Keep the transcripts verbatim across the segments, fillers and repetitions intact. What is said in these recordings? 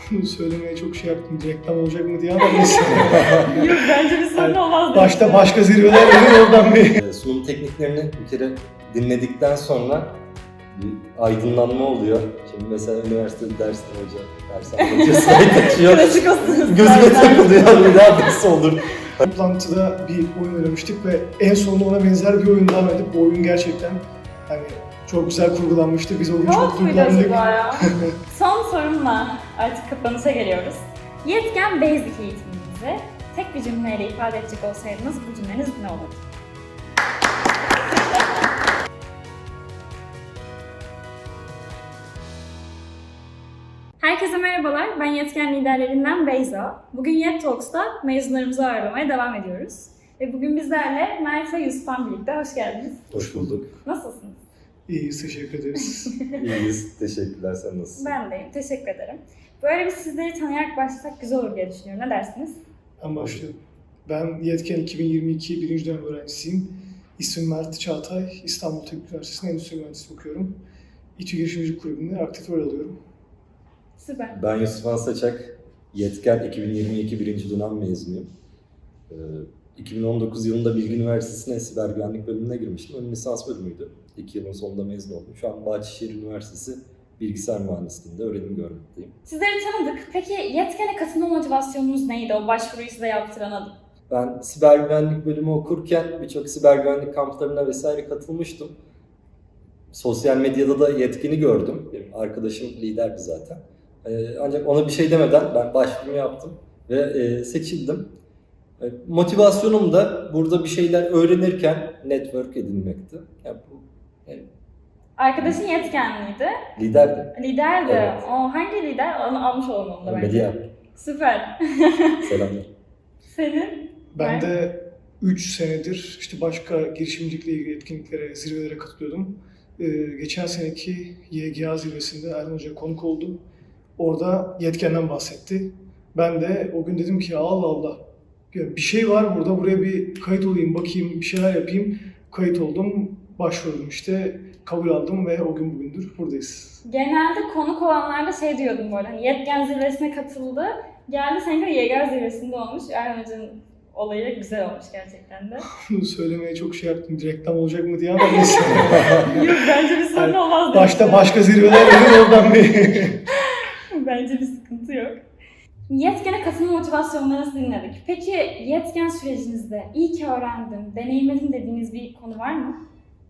Bunu söylemeye çok şey yaptım. Reklam olacak mı diye ama neyse. Yok bence bir sorun olmaz. Başta başka zirveler verin oradan bir. Sunum tekniklerini bir kere dinledikten sonra bir aydınlanma oluyor. Şimdi mesela üniversitede dersler hoca, ders anlatıyor, slide açıyor. Klasik olsun. Gözüme takılıyor, bir daha nasıl olur? Toplantıda bir oyun oynamıştık ve en sonunda ona benzer bir oyun daha oynadık. Bu oyun gerçekten hani çok güzel kurgulanmıştı. Biz o gün çok Çok muydu duygulandık. acaba ya? Son sorumla artık kapanışa geliyoruz. Yetken Basic eğitiminizi tek bir cümleyle ifade edecek olsaydınız bu cümleniz ne olurdu? Herkese merhabalar, ben Yetken liderlerinden Beyza. Bugün Yet Talks'ta mezunlarımızı ağırlamaya devam ediyoruz. Ve bugün bizlerle Mert ve Yusuf'tan birlikte hoş geldiniz. Hoş bulduk. Nasılsınız? İyiyiz, teşekkür ederiz. İyiyiz, teşekkürler. Sen nasılsın? Ben deyim, teşekkür ederim. Böyle bir sizleri tanıyarak başlasak güzel olur diye düşünüyorum. Ne dersiniz? Ben başlıyorum. Ben Yetken iki bin yirmi iki birinci dönem öğrencisiyim. İsmim Mert Çağatay. İstanbul Teknik Üniversitesi'nde Endüstri Mühendisliği okuyorum. İTÜ Girişimcilik Kulübü'nde aktif rol alıyorum. Süper. Ben Yusuf Ansaçak, Yetken iki bin yirmi iki birinci dönem mezunuyum. Ee, iki bin on dokuz yılında Bilgi Üniversitesi'ne siber güvenlik bölümüne girmiştim. Ön lisans bölümüydü. İki yılın sonunda mezun oldum. Şu an Bahçeşehir Üniversitesi Bilgisayar Mühendisliği'nde öğrenim görmekteyim. Sizleri tanıdık. Peki Yetken'e katılma motivasyonunuz neydi? O başvuruyu size yaptıran adım. Ben siber güvenlik bölümü okurken birçok siber güvenlik kamplarına vesaire katılmıştım. Sosyal medyada da Yetken'i gördüm. Benim arkadaşım liderdi zaten. Ee, ancak ona bir şey demeden ben başvurumu yaptım ve e, seçildim. E, motivasyonum da burada bir şeyler öğrenirken network edinmekti. Yani bu, yani Arkadaşın Yetkenliydi. liderdi. Liderdi. Evet. O hangi lider? Onu almış olalım onu da bence. Medya. Süper. Selamlar. Senin? Ben de üç senedir işte başka girişimcilikle ilgili etkinliklere, zirvelere katılıyordum. Ee, geçen seneki Y G A zirvesinde Erhan Hoca konuk oldu. Orada Yetken'den bahsetti. Ben de o gün dedim ki Allah Allah ya bir şey var burada, buraya bir kayıt olayım, bakayım, bir şeyler yapayım. Kayıt oldum, başvurdum işte, kabul aldım ve o gün bugündür buradayız. Genelde konuk olanlarda şey diyordum böyle, hani Yetken zirvesine katıldı. Geldi seninki de Y G A zirvesinde olmuş. Erhan Hoca'nın olayı güzel olmuş gerçekten de. Bunu söylemeye çok şey yaptım. Reklam olacak mı diye ama neyse. Yok bence bir sorun olmaz. Başta başka zirveler verin oradan bir. Bence bir sıkıntı yok. Yetken'e katılma motivasyonlarınızı dinledik. Peki Yetken sürecinizde iyi ki öğrendim, deneyimledim dediğiniz bir konu var mı?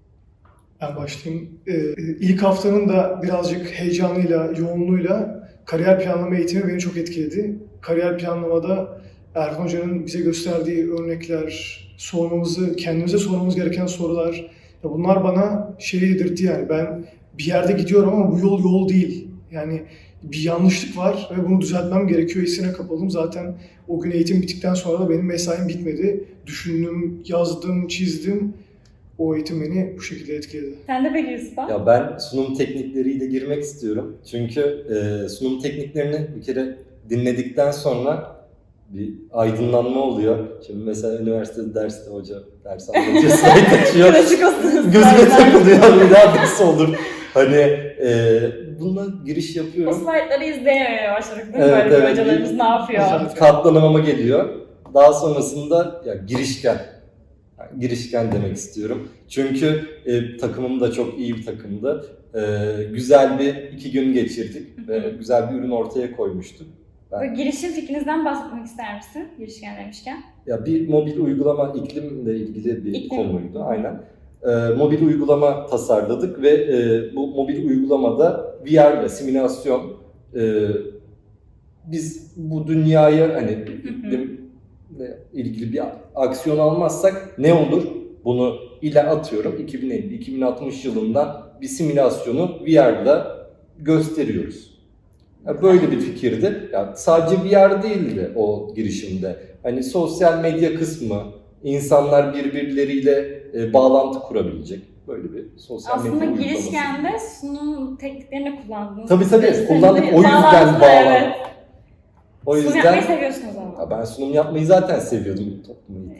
Ben başlayayım. Ee, ilk haftanın da birazcık heyecanıyla, yoğunluğuyla kariyer planlama eğitimi beni çok etkiledi. Kariyer planlamada Erhan Hoca'nın bize gösterdiği örnekler, sormamızı, kendimize sormamız gereken sorular, ya bunlar bana şey yedirtti yani ben bir yerde gidiyorum ama bu yol yol değil. Yani bir yanlışlık var ve bunu düzeltmem gerekiyor hissine kapıldım. Zaten o gün eğitim bittikten sonra da benim mesaim bitmedi. Düşündüm, yazdım, çizdim. O eğitim beni bu şekilde etkiledi. Sen de peki Yusuf'a? Ya ben sunum teknikleriyle girmek istiyorum. Çünkü e, sunum tekniklerini bir kere dinledikten sonra bir aydınlanma oluyor. Şimdi mesela üniversitede derste hoca ders anlatıyor, slide açıyor. Klasik olsun. Gözüme takılıyor, bir daha nasıl olur? Hani e, bununla giriş O yapıyorum. slaytları izleyememeye başladık değil mi? Evet, Böyle evet. hocalarımız ne yapıyor? Katlanamama geliyor. Daha sonrasında ya girişken. Yani girişken demek istiyorum. Çünkü e, takımım da çok iyi bir takımdı. E, güzel bir iki gün geçirdik ve güzel bir ürün ortaya koymuştuk. Ben, Böyle girişim fikrinizden bahsetmek ister misin? Girişken demişken. ya bir mobil uygulama iklimle ilgili bir İklim. konuydu. Aynen. E, mobil uygulama tasarladık ve e, bu mobil uygulamada V R ile simülasyon e, biz bu dünyaya hani iklimle ilgili bir aksiyon almazsak ne olur? Bunu ile atıyorum iki bin elli iki bin altmış yılında bir simülasyonu V R'da gösteriyoruz. Yani böyle bir fikirdi. Yani sadece V R değildi o girişimde. Hani sosyal medya kısmı, insanlar birbirleriyle e, bağlantı kurabilecek böyle bir sosyal Aslında medya uygulaması. girişkende sunum tekniklerini kullandınız. Tabii tabii İşte kullandık. O yüzden bağlantılı, bağlantılı. evet. O Sunum yüzden yapmayı seviyorsunuz ama. ya ben sunum yapmayı zaten seviyordum toplumu.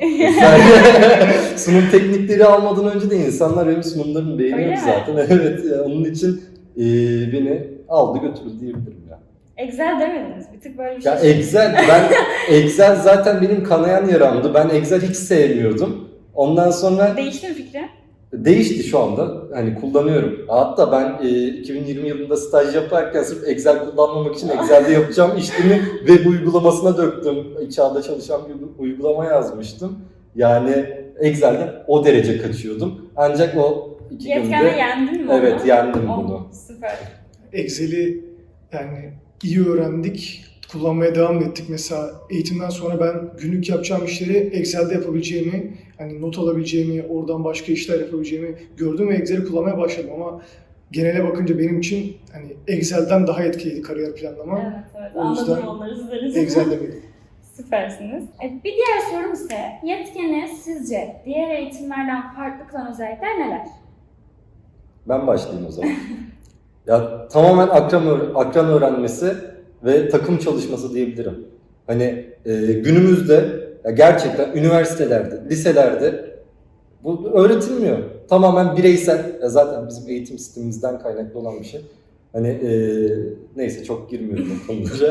Sunum teknikleri almadan önce de insanlar benim sunumlarımı beğeniyor Öyle mi? zaten. Evet ya, onun için e, beni aldı götürdü diyebilirim ya. Excel demediniz. Bir tık böyle bir Ya şey. Excel, ben Excel zaten benim kanayan yaramdı. Ben Excel hiç sevmiyordum. Ondan sonra Değişti mi fikri? değişti şu anda. Hani kullanıyorum. Hatta ben e, iki bin yirmi yılında staj yaparken sırf Excel kullanmamak için Excel'de yapacağım işlemi web uygulamasına döktüm. İçeride çalışan bir uygulama yazmıştım. Yani Excel'de o derece kaçıyordum. Ancak o iki Yetkenle günde yendin mi evet onu? yendim Oh, bunu. Süper. Excel'i yani iyi öğrendik, kullanmaya devam ettik. Mesela eğitimden sonra ben günlük yapacağım işleri Excel'de yapabileceğimi, hani not alabileceğimi, oradan başka işler yapabileceğimi gördüm ve Excel'i kullanmaya başladım ama genele bakınca benim için hani Excel'den daha etkiliydi kariyer planlama. Evet evet O anladım yüzden onları sizler için. Excel'de miydim? Süpersiniz. E, bir diğer sorum ise yetkeni sizce diğer eğitimlerden farklı kılan özellikler neler? Ben başlayayım o zaman. Ya tamamen akran, öğ- akran öğrenmesi ve takım çalışması diyebilirim. Hani e, günümüzde ya gerçekten üniversitelerde, liselerde bu öğretilmiyor. Tamamen bireysel. Ya zaten bizim eğitim sistemimizden kaynaklı olan bir şey. Hani e, neyse çok girmiyorum o konulara.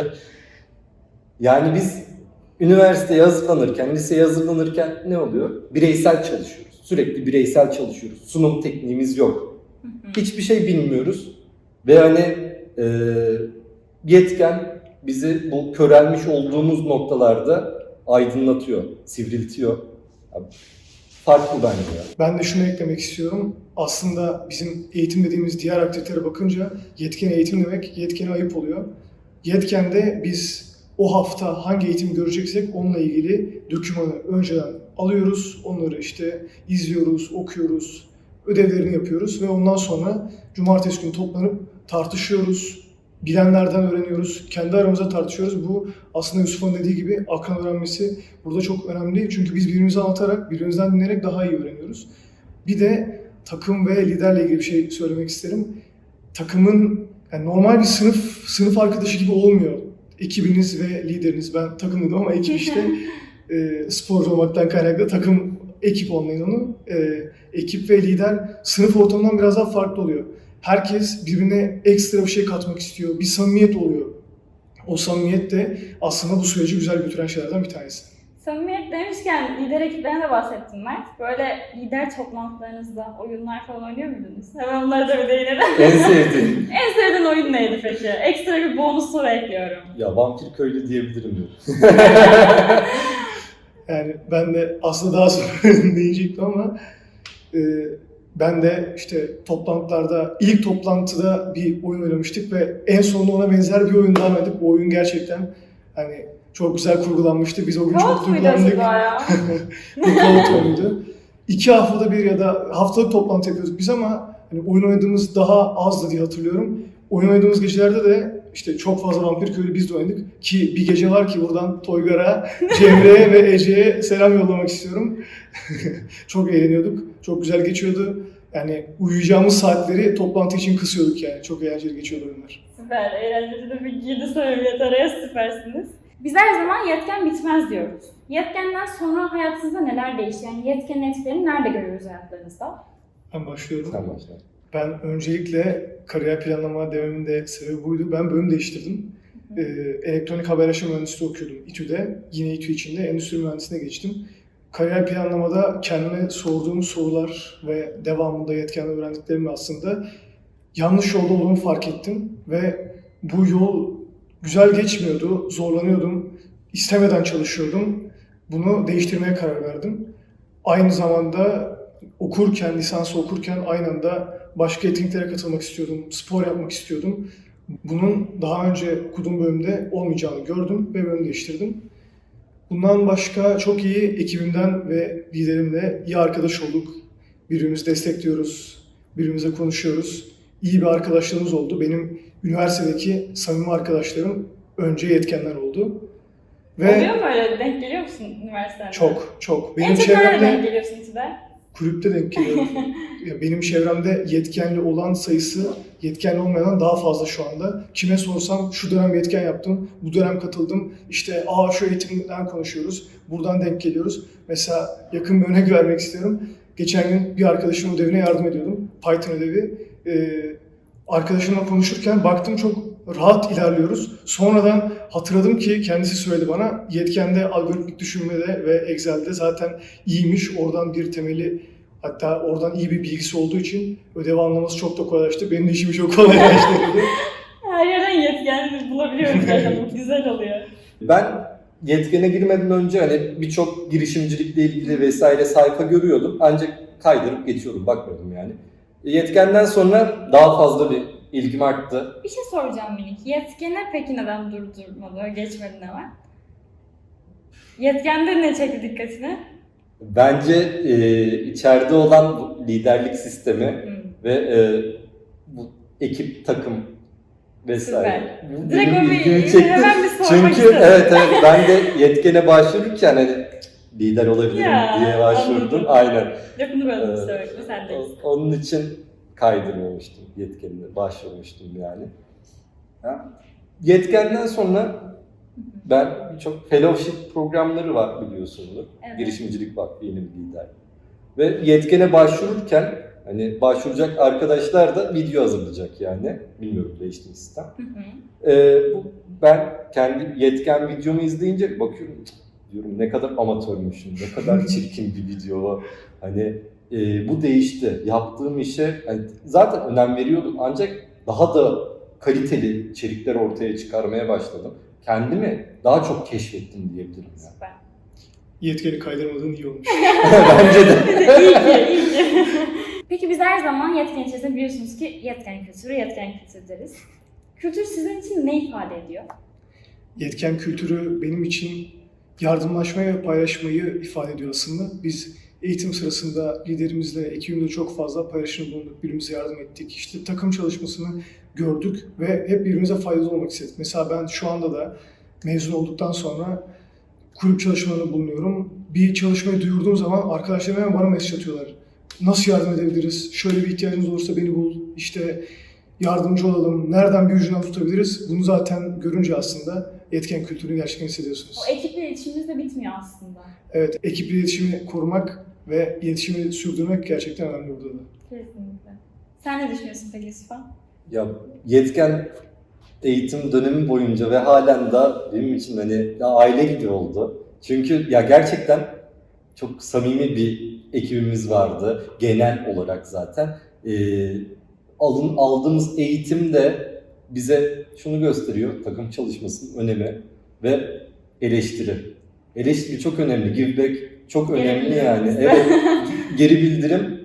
Yani biz üniversiteye hazırlanırken, liseye hazırlanırken ne oluyor? Bireysel çalışıyoruz. Sürekli bireysel çalışıyoruz. Sunum tekniğimiz yok. Hiçbir şey bilmiyoruz. Ve hani e, yetken bizi bu körelmiş olduğumuz noktalarda aydınlatıyor, sivriltiyor. Abi, farklı bence ya. Ben de şunu eklemek istiyorum. Aslında bizim eğitim dediğimiz diğer aktivitelere bakınca yetken eğitim demek yetkene ayıp oluyor. Yetkende biz o hafta hangi eğitim göreceksek onunla ilgili dokümanı önceden alıyoruz. Onları işte izliyoruz, okuyoruz, ödevlerini yapıyoruz ve ondan sonra cumartesi günü toplanıp tartışıyoruz. Bilenlerden öğreniyoruz, kendi aramızda tartışıyoruz. Bu aslında Yusuf'un dediği gibi akran öğrenmesi burada çok önemli. Çünkü biz birbirimize anlatarak, birbirimizden dinleyerek daha iyi öğreniyoruz. Bir de takım ve liderle ilgili bir şey söylemek isterim. Takımın yani normal bir sınıf sınıf arkadaşı gibi olmuyor. Ekibiniz ve lideriniz. Ben takımdım ama ekip işte e, sporcu olmaktan kaynaklı takım ekip olmayın onu. E, ekip ve lider sınıf ortamından biraz daha farklı oluyor. Herkes birbirine ekstra bir şey katmak istiyor. Bir samimiyet oluyor. O samimiyet de aslında bu süreci güzel götüren şeylerden bir tanesi. Samimiyet demişken lider ekiplerine de bahsettim Mert. Böyle lider toplantılarınızda oyunlar falan oynuyor muydunuz? Hemen onlara da bir değinelim. En sevdiğim. En sevdiğin oyun neydi peki? Ekstra bir bonus soru ekliyorum. Ya vampir köylü diyebilirim ya. Yani ben de aslında daha sonra diyecektim ama e, ben de işte toplantılarda, ilk toplantıda bir oyun oynamıştık ve en sonunda ona benzer bir oyun daha oynadık. O oyun gerçekten hani çok güzel kurgulanmıştı. Biz o gün çok Kaos muydu duygulandık. acaba ya? Bir kaos oyunuydu. İki haftada bir ya da haftalık toplantı yapıyorduk biz ama hani oyun oynadığımız daha azdı diye hatırlıyorum. Oyun oynadığımız gecelerde de işte çok fazla Vampir Köylü biz de oynadık. Ki bir gece var ki buradan Toygar'a, Cemre'ye ve Ece'ye selam yollamak istiyorum. Çok eğleniyorduk. Çok güzel geçiyordu. Yani uyuyacağımız saatleri toplantı için kısıyorduk yani. Çok eğlenceli geçiyordu oyunlar. Süper, eğlenceli de bir girdi samimiyet araya süpersiniz. Biz her zaman yetken bitmez diyoruz. Yetkenden sonra hayatınızda neler değişti? Yani yetkenin etkilerini nerede görüyoruz hayatlarınızda? Ben başlıyorum. Sen başla. Ben öncelikle kariyer planlama dememin de sebebi buydu. Ben bölüm değiştirdim. Ee, elektronik haberleşme mühendisliği okuyordum İTÜ'de. Yine İTÜ içinde endüstri mühendisliğine geçtim. Kariyer planlamada kendime sorduğum sorular ve devamında yetkenle öğrendiklerimle aslında yanlış yolda olduğumu fark ettim. Ve bu yol güzel geçmiyordu, zorlanıyordum, istemeden çalışıyordum. Bunu değiştirmeye karar verdim. Aynı zamanda okurken, lisansı okurken aynı anda başka etkinliklere katılmak istiyordum, spor yapmak istiyordum. Bunun daha önce okuduğum bölümde olmayacağını gördüm ve bölüm değiştirdim. Bundan başka çok iyi ekibimden ve liderimle iyi arkadaş olduk. Birbirimizi destekliyoruz, birbirimize konuşuyoruz. İyi bir arkadaşlığımız oldu. Benim üniversitedeki samimi arkadaşlarım önce yetkenler oldu. Ve Oluyor mu öyle? Denk geliyor musun üniversitede? çok, çok. En Benim çok nerede denk çevremde geliyorsun İTÜ'de? kulüpte denk geliyorum. Ya benim çevremde yetkenli olan sayısı yetkenli olmayan daha fazla şu anda. Kime sorsam şu dönem yetken yaptım, bu dönem katıldım. İşte aa şu eğitimden konuşuyoruz, buradan denk geliyoruz. Mesela yakın bir örnek vermek istiyorum. Geçen gün bir arkadaşımın ödevine yardım ediyordum. Python ödevi. Ee, arkadaşımla konuşurken baktım çok rahat ilerliyoruz. Sonradan hatırladım ki kendisi söyledi bana, Yetken'de algoritmik düşünmede ve Excel'de zaten iyiymiş. Oradan bir temeli, hatta oradan iyi bir bilgisi olduğu için ödevi anlaması çok da kolaylaştı. Benim de işimi çok kolaylaştı dedi. Her yerden yetken bulabiliyoruz zaten. Bu güzel oluyor. Ben Yetken'e girmeden önce hani birçok girişimcilikle ilgili vesaire sayfa görüyordum. Ancak kaydırıp geçiyordum, bakmıyordum yani. Yetken'den sonra daha fazla bir ilgim arttı. Bir şey soracağım minik. Yetkene peki neden durdurmadı, geçmedi ne var? Yetkende ne çekti dikkatini? Bence e, içeride olan bu liderlik sistemi Hmm. ve e, bu ekip, takım vesaire. Bu Direkt benim onu ilgimi çekti. hemen bir sormak Çünkü istedim. evet evet ben de Yetken'e başvururken hani lider olabilirim Ya, diye başvurdum. anladım. Aynen. Lafını böldüm, Ee, kusura bakma, sendeyiz. o- Onun için kaydırmamıştım, Yetken'e başvurmuştum yani. Ha? Yetkenden sonra ben birçok fellowship programları var biliyorsunuz. Evet. Girişimcilik Vakfı yeni bir lider. Ve Yetken'e başvururken hani başvuracak arkadaşlar da video hazırlayacak yani. Bilmiyorum değişti mi sistem. Hı hı. Ee, bu, ben kendi Yetken videomu izleyince bakıyorum, "Cık," diyorum ne kadar amatörmüşüm, ne kadar çirkin bir video. Hani e, bu değişti. Yaptığım işe hani zaten önem veriyordum ancak daha da kaliteli içerikler ortaya çıkarmaya başladım. Kendimi daha çok keşfettim diyebilirim ya. Süper. Yetkeni kaydırmadığın iyi olmuş. Bence de. iyi ki, iyi ki. Peki biz her zaman yetken içerisinde biliyorsunuz ki yetken kültürü, yetken kültür deriz. Kültür sizin için ne ifade ediyor? Yetken kültürü benim için yardımlaşmayı ve paylaşmayı ifade ediyor aslında. Biz eğitim sırasında liderimizle, ekibimle çok fazla paylaşım bulunduk, birbirimize yardım ettik. İşte takım çalışmasını gördük ve hep birbirimize faydalı olmak istedik. Mesela ben şu anda da mezun olduktan sonra kulüp çalışmalarında bulunuyorum. Bir çalışmayı duyurduğum zaman arkadaşlarım hemen bana mesaj atıyorlar. Nasıl yardım edebiliriz? Şöyle bir ihtiyacınız olursa beni bul. İşte yardımcı olalım. Nereden bir ucundan tutabiliriz? Bunu zaten görünce aslında yetken kültürünü gerçekten hissediyorsunuz. O ekiple iletişimimiz de bitmiyor aslında. Evet, ekip iletişimi korumak ve iletişimi sürdürmek gerçekten önemli burada da. Kesinlikle. Sen ne düşünüyorsun peki Yusuf'a? Ya Yetken eğitim dönemi boyunca ve halen da benim için hani ya aile gibi oldu. Çünkü ya gerçekten çok samimi bir ekibimiz vardı genel olarak zaten. Ee, alın aldığımız eğitim de bize şunu gösteriyor, takım çalışmasının önemi ve eleştiri. Eleştiri çok önemli, give back çok Geri önemli bildirim yani. bizde. Evet, geri bildirim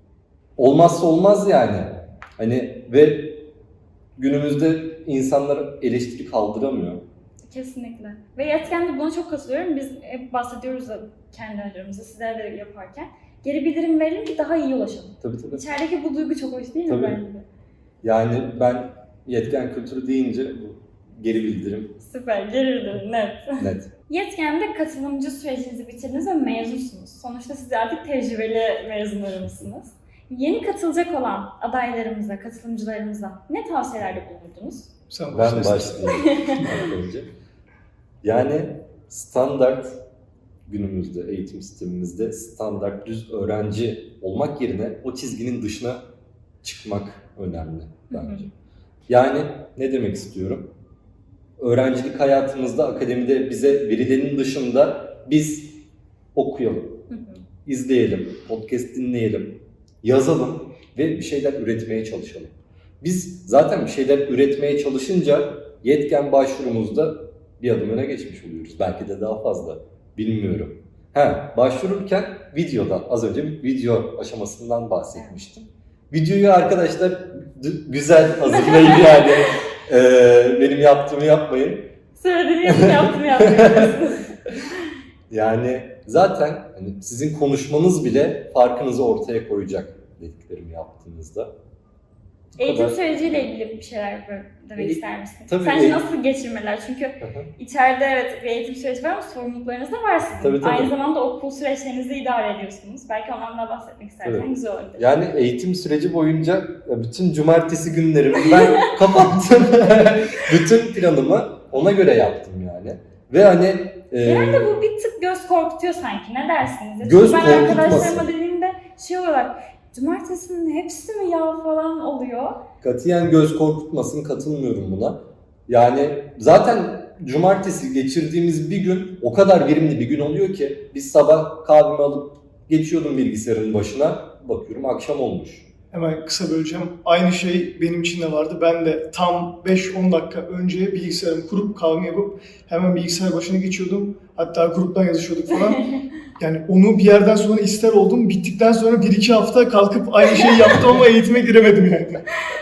olmazsa olmaz yani. Hani ve günümüzde insanlar eleştiri kaldıramıyor. Kesinlikle. Ve yetken de buna çok katılıyorum. Biz hep bahsediyoruz da kendi aramızda, sizler de yaparken. Geri bildirim verelim ki daha iyi ulaşalım. Tabii tabii. İçerideki bu duygu çok hoş değil mi Tabii. bence de? Yani ben yetken kültürü deyince bu geri bildirim Süper, geri bildirim, net. net. Yetken'de katılımcı sürecinizi bitirdiniz ve mezunsunuz. Sonuçta siz artık tecrübeli mezunlarımızsınız. Yeni katılacak olan adaylarımıza, katılımcılarımıza ne tavsiyelerde bulundunuz? Sen Ben başla. başlayayım ilk önce. Yani standart günümüzde eğitim sistemimizde standart düz öğrenci olmak yerine o çizginin dışına çıkmak önemli bence. Hı hı. Yani ne demek istiyorum? Öğrencilik hayatımızda akademide bize verilenin dışında biz okuyalım, Hı hı. izleyelim, podcast dinleyelim, yazalım ve bir şeyler üretmeye çalışalım. Biz zaten bir şeyler üretmeye çalışınca yetken başvurumuzda bir adım öne geçmiş oluyoruz. Belki de daha fazla. Bilmiyorum. Ha, başvururken videodan, az önce bir video aşamasından bahsetmiştim. Videoyu arkadaşlar d- güzel hazırlayın yani. Ee, benim yaptığımı yapmayın. Söylediğiniz gibi yaptım yapmıyorsunuz. Yani zaten hani sizin konuşmanız bile farkınızı ortaya koyacak dediklerimi yaptığınızda. Bu Eğitim kadar. süreciyle ilgili bir şeyler böyle demek E, ister misin? tabii, Sence e- nasıl geçirmeler? Çünkü Hı hı. içeride evet bir eğitim süreci var ama sorumluluklarınız da var sizin. Tabii, tabii. Aynı zamanda okul süreçlerinizi idare ediyorsunuz. Belki ondan da bahsetmek istersen Evet. güzel olabilir. Yani eğitim süreci boyunca bütün cumartesi günlerimi ben kapattım. Bütün planımı ona göre yaptım yani. Ve hani e, Genelde bu bir tık göz korkutuyor sanki. Ne dersiniz? Ya Göz çünkü ben korkutmasın. arkadaşlarıma dediğimde şey olarak cumartesinin hepsi mi ya falan oluyor. katiyen göz korkutmasın, katılmıyorum buna. Yani zaten cumartesi geçirdiğimiz bir gün o kadar verimli bir gün oluyor ki biz sabah kahvemi alıp geçiyordum bilgisayarın başına, bakıyorum akşam olmuş. Hemen kısa böleceğim. Aynı şey benim için de vardı. Ben de tam beş on dakika önce bilgisayarımı kurup kahvemi yapıp hemen bilgisayar başına geçiyordum. Hatta gruptan yazışıyorduk falan. Yani onu bir yerden sonra ister oldum. Bittikten sonra bir iki hafta kalkıp aynı şeyi yaptım ama eğitime giremedim yani.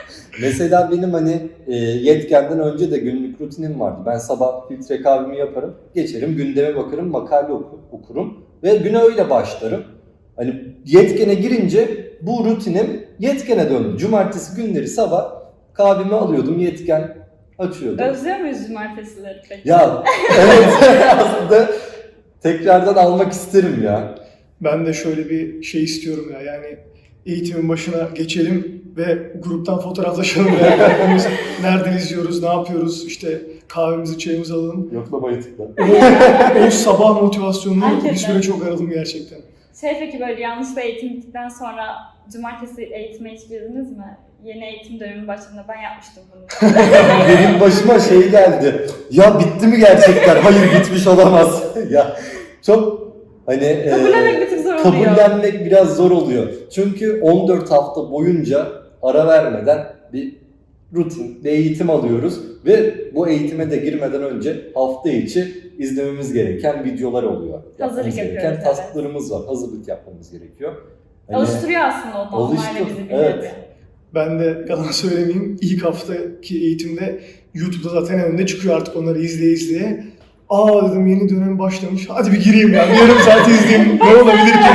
Mesela benim hani e, yetkenden önce de günlük rutinim vardı. Ben sabah filtre kahvemi yaparım, geçerim, gündeme bakarım, makale oku, okurum ve güne öyle başlarım. Hani yetkene girince bu rutinim yetkene döndü. Cumartesi günleri sabah kahvemi alıyordum, yetken açıyordum. Özlüyor muyuz cumartesileri peki? Ya evet aslında tekrardan almak isterim ya. Ben de şöyle bir şey istiyorum ya, yani eğitimin başına geçelim ve gruptan fotoğraflaşalım. Yani nereden izliyoruz, ne yapıyoruz, işte kahvemizi, çayımızı alalım. Yoklamayı tıkla. O, o sabah motivasyonunu Hakikaten. bir süre çok aradım gerçekten. Şey peki böyle yanlışlıkla eğitim bittikten sonra cumartesi eğitime hiç girdiniz mi? Yeni eğitim dönemi başladığında ben yapmıştım bunu. Benim başıma şey geldi. Ya bitti mi gerçekten? Hayır bitmiş olamaz. Ya çok hani e, Kabullenmek bir tık zor oluyor. kabullenmek biraz zor oluyor. Çünkü on dört hafta boyunca ara vermeden bir rutin, bir eğitim alıyoruz ve bu eğitime de girmeden önce hafta içi izlememiz gereken videolar oluyor. Yapmamız Hazırlık gereken yapıyoruz, evet. tasklarımız var. Hazırlık yapmamız gerekiyor. Hani Alıştırıyor aslında o da onlarla alıştır, bizi bir evet. nevi. Ben de yalan söylemeyeyim, ilk haftaki eğitimde YouTube'da zaten önünde çıkıyor artık, onları izleye izleye. Aa dedim, yeni dönem başlamış, hadi bir gireyim ya, bir yarım saat izleyeyim, ne olabilir ki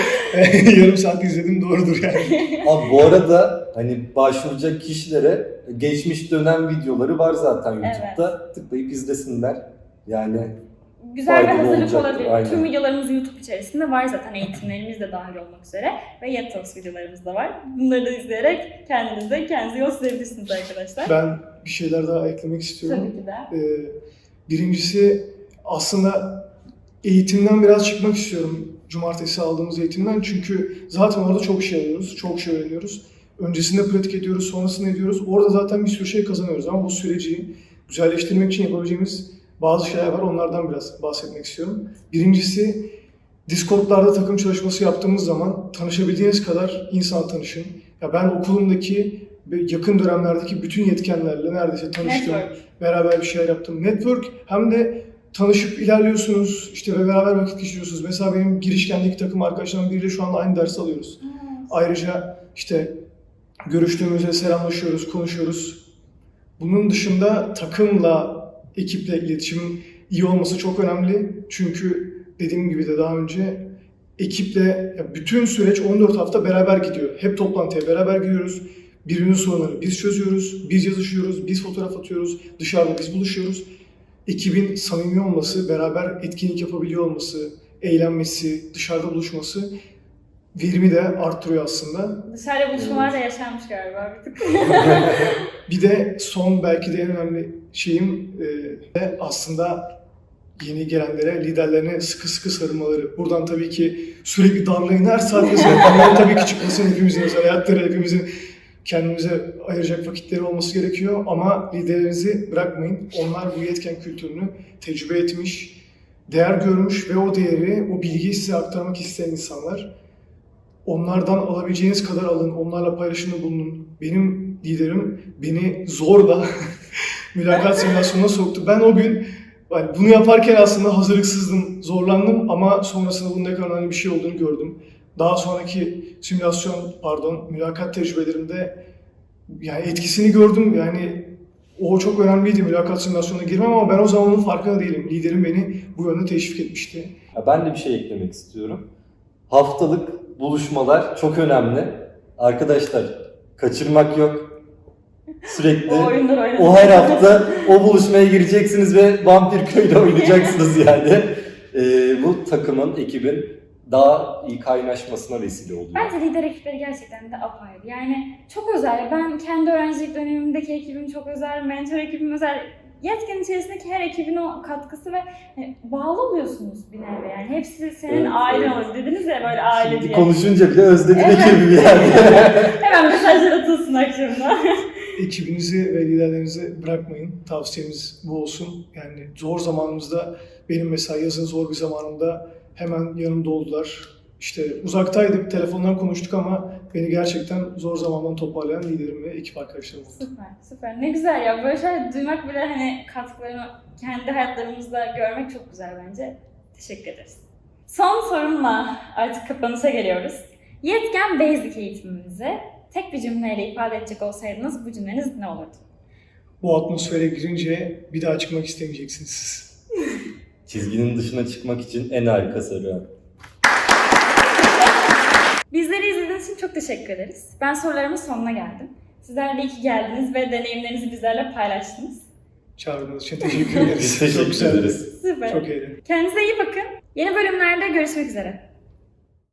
dedim. Yarım saat izledim, doğrudur yani. Abi bu arada hani başvuracak kişilere geçmiş dönem videoları var zaten YouTube'da. Tıklayıp izlesinler. Yani Güzel bir faydalı hazırlık olacaktır, olabilir. aynen. Tüm videolarımız YouTube içerisinde var zaten, eğitimlerimiz de dahil olmak üzere ve Yatos videolarımız da var. Bunları da izleyerek kendiniz de kendinizi yol çizebilirsiniz arkadaşlar. Ben bir şeyler daha eklemek istiyorum. Tabii ki de. Ee, birincisi aslında eğitimden biraz çıkmak istiyorum. Cumartesi aldığımız eğitimden. Çünkü zaten orada çok şey alıyoruz, çok şey öğreniyoruz. Öncesinde pratik ediyoruz, sonrasında ediyoruz. Orada zaten bir sürü şey kazanıyoruz ama bu süreci güzelleştirmek için yapabileceğimiz bazı şeyler var. Onlardan biraz bahsetmek istiyorum. Birincisi, Discord'larda takım çalışması yaptığımız zaman tanışabildiğiniz kadar insan tanışın. Ya ben okulumdaki ve yakın dönemlerdeki bütün yetkenlerle neredeyse tanıştım. Network. Beraber bir şeyler yaptım. Network hem de tanışıp ilerliyorsunuz, işte ve beraber vakit geçiriyorsunuz. Mesela benim girişkendeki takım arkadaşlarım biriyle şu anda aynı ders alıyoruz. Ayrıca işte görüştüğümüzde selamlaşıyoruz, konuşuyoruz. Bunun dışında takımla, ekiple iletişimin iyi olması çok önemli. Çünkü dediğim gibi de daha önce ekiple ya bütün süreç on dört hafta beraber gidiyor. Hep toplantıya beraber gidiyoruz. Birbirinin sorunlarını biz çözüyoruz, biz yazışıyoruz, biz fotoğraf atıyoruz, dışarıda biz buluşuyoruz. Ekibin samimi olması, beraber etkinlik yapabiliyor olması, eğlenmesi, dışarıda buluşması verimi de arttırıyor aslında. Dışarıda buluşmalar da yaşanmış galiba bir tık. Bir de son belki de en önemli şeyim e, de aslında yeni gelenlere, liderlerine sıkı sıkı sarılmaları. Buradan tabii ki sürekli darlayın, her saatte sarılmaları tabii ki çıkmasın, hepimizin özel hayatları, hepimizin kendimize ayıracak vakitleri olması gerekiyor ama liderlerinizi bırakmayın. Onlar bu yetken kültürünü tecrübe etmiş, değer görmüş ve o değeri, o bilgiyi size aktarmak isteyen insanlar. Onlardan alabileceğiniz kadar alın, onlarla paylaşımda bulunun. Benim liderim beni zorla mülakat simülasyonuna soktu. Ben o gün yani bunu yaparken aslında hazırlıksızdım, zorlandım ama sonrasında bunun ne kadar önemli bir şey olduğunu gördüm. Daha sonraki simülasyon, pardon, mülakat tecrübelerimde yani etkisini gördüm. Yani o çok önemliydi, mülakat simülasyonuna girmem ama ben o zaman onun farkında değilim. Liderim beni bu yönde teşvik etmişti. Ya ben de bir şey eklemek istiyorum. Haftalık buluşmalar çok önemli. Arkadaşlar kaçırmak yok. Sürekli O oyunlar oynanıyor. o her hafta o buluşmaya gireceksiniz ve Vampir Köy'de oynayacaksınız yani. Ee, bu takımın, ekibin daha iyi kaynaşmasına vesile oluyor. Bence lider ekipleri gerçekten de apayrı. Yani çok özel. Ben kendi öğrencilik dönemimdeki ekibim çok özel, mentor ekibim özel. Yetken içerisindeki her ekibin o katkısı ve hani bağlı oluyorsunuz bir nevi yani. Hepsi senin Evet, ailen evet. oluyor. Dediniz ya böyle aile Şimdi diye. konuşunca bile özledim Evet. ekibi yani. Hemen mesajlar atılsın akşamda. ekibinizi ve liderlerinizi bırakmayın. Tavsiyemiz bu olsun. Yani zor zamanımızda, benim mesela yazın zor bir zamanımda hemen yanımda oldular. İşte uzaktaydık, telefondan konuştuk ama beni gerçekten zor zamandan toparlayan liderim ve ekip arkadaşlarım oldu. Süper, süper. Ne güzel ya. Böyle şeyler duymak bile hani katkılarını kendi hayatlarımızda görmek çok güzel bence. Teşekkür ederiz. Son sorumla artık kapanışa geliyoruz. Yetken Basic eğitimimizi tek bir cümleyle ifade edecek olsaydınız bu cümleniz ne olurdu? Bu atmosfere girince bir daha çıkmak istemeyeceksiniz siz. Çizginin dışına çıkmak için en harikası arıyorum. Bizleri izlediğiniz için çok teşekkür ederiz. Ben sorularımın sonuna geldim. Sizler de iyi ki geldiniz ve deneyimlerinizi bizlerle paylaştınız. Çağırdığınız için teşekkür ederiz. Biz teşekkür Çok güzeldi. ederiz. Süper. Çok eğlendim. Kendinize iyi bakın. Yeni bölümlerde görüşmek üzere.